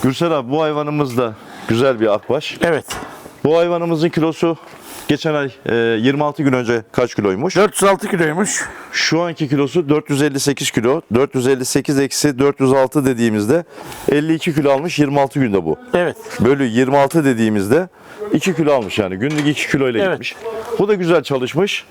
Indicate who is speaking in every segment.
Speaker 1: Gürsel abi, bu hayvanımız da güzel bir akbaş.
Speaker 2: Evet.
Speaker 1: Bu hayvanımızın kilosu geçen ay 26 gün önce kaç kiloymuş?
Speaker 2: 406 kiloymuş.
Speaker 1: Şu anki kilosu 458 kilo. 458 eksi 406 dediğimizde 52 kilo almış 26 günde bu.
Speaker 2: Evet.
Speaker 1: Bölü 26 dediğimizde 2 kilo almış yani. Günlük 2 kilo ile
Speaker 2: Evet.
Speaker 1: gitmiş. Bu da güzel çalışmış.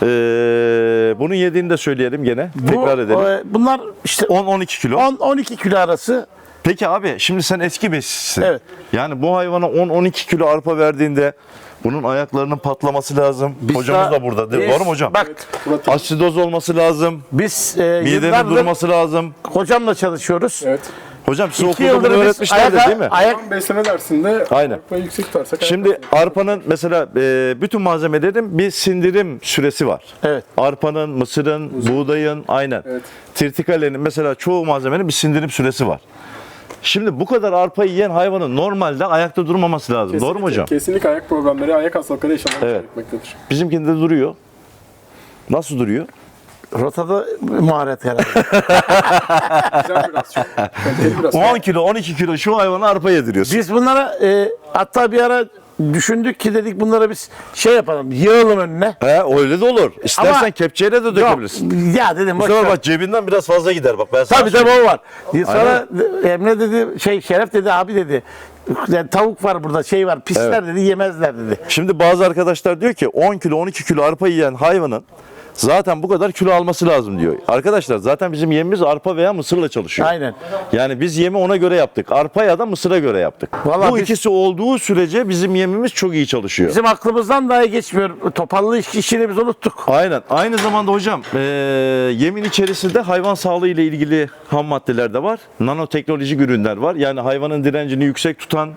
Speaker 1: Bunun yediğini de söyleyelim gene. Tekrar edelim.
Speaker 2: Bunlar işte
Speaker 1: 10-12 kilo.
Speaker 2: 10-12 kilo arası.
Speaker 1: Peki abi, şimdi sen eski besicisin.
Speaker 2: Evet.
Speaker 1: Yani bu hayvana 10-12 kilo arpa verdiğinde bunun ayaklarının patlaması lazım. Hocamız da burada. Doğru mu hocam?
Speaker 2: Bak,
Speaker 1: Asidoz olması lazım.
Speaker 2: biz
Speaker 1: Midenin
Speaker 2: yıllardır
Speaker 1: durması lazım.
Speaker 2: hocamla çalışıyoruz.
Speaker 3: Evet.
Speaker 1: Hocam size
Speaker 2: 2
Speaker 1: okulda bunu
Speaker 2: yıldır biz
Speaker 1: öğretmişlerdi değil mi?
Speaker 3: Tam besleme dersinde
Speaker 1: Aynen.
Speaker 3: arpayı yüksek tutarsak
Speaker 1: Şimdi arpanın mesela bütün malzemelerin bir sindirim süresi var.
Speaker 2: Evet.
Speaker 1: Arpanın, mısırın, buğdayın, aynen.
Speaker 3: Evet.
Speaker 1: Tirtikalenin mesela çoğu malzemenin bir sindirim süresi var. Şimdi bu kadar arpa yiyen hayvanın normalde ayakta durmaması lazım. Doğru mu hocam?
Speaker 3: Kesinlikle ayak problemleri, ayak hastalıkları yaşanmak
Speaker 1: Evet.
Speaker 3: gerekmektedir.
Speaker 1: Bizimkinde duruyor. Nasıl duruyor?
Speaker 2: Rotada maharet herhalde.
Speaker 3: Güzel biraz, çok kaliteli biraz.
Speaker 1: 10 kilo, 12 kilo şu hayvana arpa yediriyorsun.
Speaker 2: Biz bunlara hatta bir ara düşündük ki dedik bunlara biz şey yapalım, yığalım önüne.
Speaker 1: He, öyle de olur. İstersen
Speaker 2: Ama-
Speaker 1: kepçeyle de dökebilirsin.
Speaker 2: Yok, ya dedim
Speaker 1: Bu
Speaker 2: boş
Speaker 1: sefer
Speaker 2: ver.
Speaker 1: bak cebinden biraz fazla gider bak. Ben sana
Speaker 2: Tabii
Speaker 1: söyleyeyim.
Speaker 2: o var. Sonra Emre dedi, Şeref dedi, abi dedi, yani tavuk var burada, şey var, pisler dedi, yemezler dedi.
Speaker 1: Şimdi bazı arkadaşlar diyor ki 10 kilo 12 kilo arpa yiyen hayvanın zaten bu kadar kilo alması lazım diyor. Arkadaşlar zaten bizim yemimiz arpa veya mısırla çalışıyor.
Speaker 2: Aynen.
Speaker 1: Yani biz yemi ona göre yaptık. Arpa ya da mısıra göre yaptık.
Speaker 2: Vallahi
Speaker 1: bu
Speaker 2: biz-
Speaker 1: ikisi olduğu sürece bizim yemimiz çok iyi çalışıyor.
Speaker 2: Bizim aklımızdan dahi geçmiyor. Topallı işini biz unuttuk.
Speaker 1: Aynen. Aynı zamanda hocam yemin içerisinde hayvan sağlığı ile ilgili ham maddeler de var. Nanoteknolojik ürünler var. Yani hayvanın direncini yüksek tutan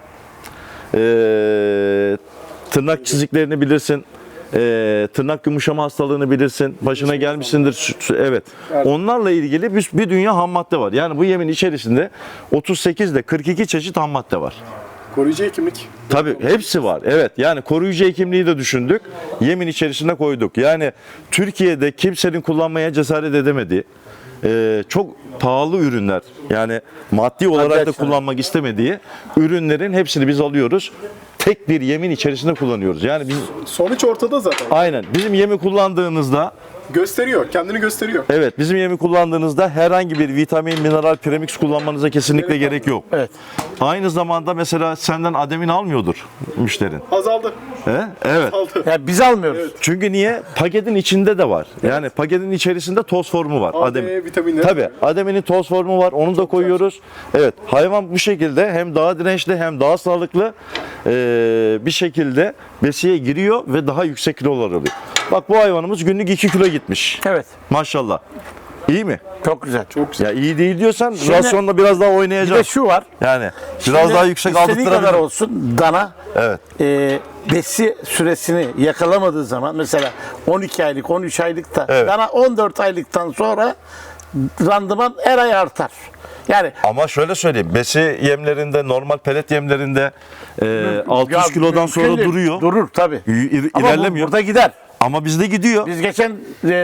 Speaker 1: tırnak çiziklerini bilirsin. Tırnak yumuşama hastalığını bilirsin. Başına gelmişsindir. Evet. Onlarla ilgili bir dünya ham madde var. Yani bu yemin içerisinde 38 ile 42 çeşit ham madde var.
Speaker 3: Koruyucu hekimlik.
Speaker 1: Tabii hepsi var. Evet, yani koruyucu hekimliği de düşündük. Yemin içerisine koyduk. Yani Türkiye'de kimsenin kullanmaya cesaret edemediği çok pahalı ürünler, yani maddi olarak da
Speaker 2: Gerçekten.
Speaker 1: kullanmak istemediği ürünlerin hepsini biz alıyoruz. Tek bir yemin içerisinde kullanıyoruz. Yani biz
Speaker 3: Sonuç ortada zaten.
Speaker 1: aynen bizim yemi kullandığınızda,
Speaker 3: Gösteriyor, kendini gösteriyor.
Speaker 1: evet bizim yemi kullandığınızda herhangi bir vitamin, mineral, premix kullanmanıza kesinlikle gerek yok.
Speaker 2: Evet.
Speaker 1: Aynı zamanda mesela senden ademin almıyordur müşterin.
Speaker 3: Azaldı.
Speaker 1: He? Evet.
Speaker 3: Azaldı.
Speaker 2: Ya biz almıyoruz.
Speaker 1: Çünkü niye? Paketin içinde de var. Yani paketin içerisinde toz formu var.
Speaker 3: A, D vitaminleri.
Speaker 1: Tabii. Ademinin toz formu var. Onu da koyuyoruz. Evet. Hayvan bu şekilde hem daha dirençli hem daha sağlıklı bir şekilde besiye giriyor ve daha yüksek kilolar alıyor. Bak bu hayvanımız günlük 2 kilo gitmiş.
Speaker 2: Evet.
Speaker 1: Maşallah. İyi mi?
Speaker 2: Çok güzel.
Speaker 3: Çok güzel.
Speaker 1: Ya iyi değil diyorsan
Speaker 2: Şimdi-
Speaker 1: rasyonla biraz daha
Speaker 2: Bir de
Speaker 1: oynayacağız.
Speaker 2: şu var.
Speaker 1: Yani biraz
Speaker 2: Şimdi
Speaker 1: daha yüksek
Speaker 2: istediği kadar
Speaker 1: aldırtırabilir.
Speaker 2: olsun dana
Speaker 1: Evet.
Speaker 2: besi süresini yakalamadığı zaman mesela 12 aylık, 13 aylıkta
Speaker 1: Evet.
Speaker 2: dana 14 aylıktan sonra randıman her ay artar. Yani
Speaker 1: Ama şöyle söyleyeyim, besi yemlerinde, normal pelet yemlerinde 600
Speaker 2: ya
Speaker 1: kilodan
Speaker 2: mümkün
Speaker 1: sonra
Speaker 2: değil.
Speaker 1: duruyor.
Speaker 2: Durur tabii. Ama
Speaker 1: İlerlemiyor.
Speaker 2: burada gider.
Speaker 1: Ama bizde gidiyor.
Speaker 2: Biz geçen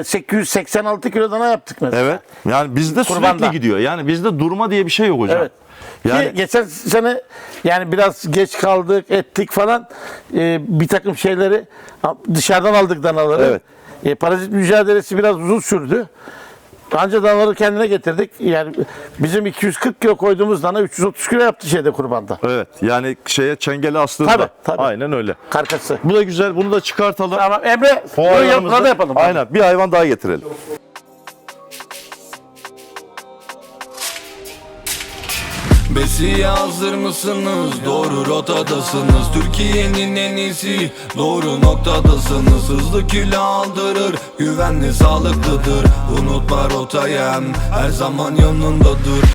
Speaker 2: 886 kilo dana yaptık mesela.
Speaker 1: Evet. Yani bizde
Speaker 2: Kurbanda.
Speaker 1: sürekli gidiyor. Yani bizde durma diye bir şey yok hocam.
Speaker 2: Evet.
Speaker 1: Yani
Speaker 2: Ki geçen sene yani biraz geç kaldık, ettik falan, bir takım şeyleri dışarıdan aldık danaları.
Speaker 1: Evet.
Speaker 2: Parazit mücadelesi biraz uzun sürdü. Anca danaları kendine getirdik. Yani bizim 240 kilo koyduğumuz dana 330 kilo yaptı şeyde kurbanda.
Speaker 1: evet. Yani çengeli aslında.
Speaker 2: Tabii, tabii.
Speaker 1: Aynen öyle.
Speaker 2: Karkası.
Speaker 1: Bu da güzel. Bunu da çıkartalım.
Speaker 2: Tamam Emre,
Speaker 1: O
Speaker 2: bunu
Speaker 1: hayvanımızı-
Speaker 2: burada yapalım.
Speaker 1: Aynen. Bir hayvan daha getirelim.
Speaker 4: Besiye hazır mısınız? Doğru rotadasınız. Türkiye'nin en iyisi, doğru noktadasınız. Hızlı kilo aldırır, güvenli sağlıklıdır. Unutma rotayı, her zaman yanındadır.